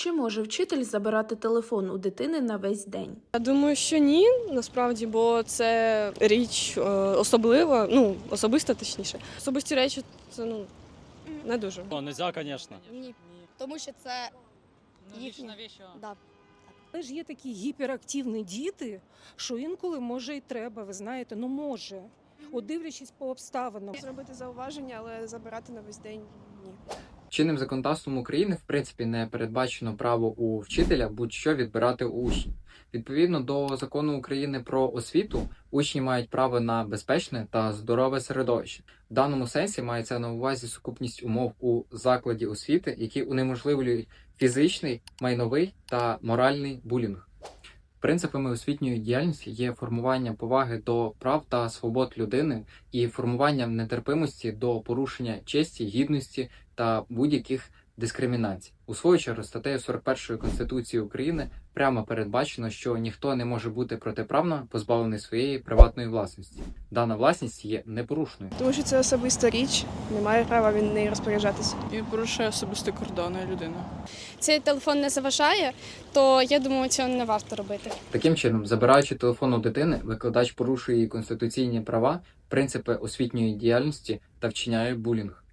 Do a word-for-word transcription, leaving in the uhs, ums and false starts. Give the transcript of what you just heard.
Чи може вчитель забирати телефон у дитини на весь день? Я думаю, що ні, насправді, бо це річ е, особлива, ну, особиста точніше. Особисті речі це ну не дуже. О, нельзя, звісно. Ні, тому що це їхні. Да. Але ж є такі гіперактивні діти, що інколи може і треба, ви знаєте, ну може. От дивлячись по обставинам. Зробити зауваження, але забирати на весь день ні. Чинним законодавством України, в принципі, не передбачено право у вчителя будь-що відбирати у учнів. Відповідно до Закону України про освіту, учні мають право на безпечне та здорове середовище. В даному сенсі мається на увазі сукупність умов у закладі освіти, які унеможливлюють фізичний, майновий та моральний булінг. Принципами освітньої діяльності є формування поваги до прав та свобод людини і формування нетерпимості до порушення честі, гідності та будь-яких дискримінацій. У свою чергу, статтею сорок першої Конституції України прямо передбачено, що ніхто не може бути протиправно позбавлений своєї приватної власності. Дана власність є непорушною. Тому що це особиста річ, немає права він нею розпоряджатися. І порушує особисті кордони людини. Цей телефон не заважає, то я думаю, цього не варто робити. Таким чином, забираючи телефон у дитини, викладач порушує її конституційні права, принципи освітньої діяльності та вчиняє булінг.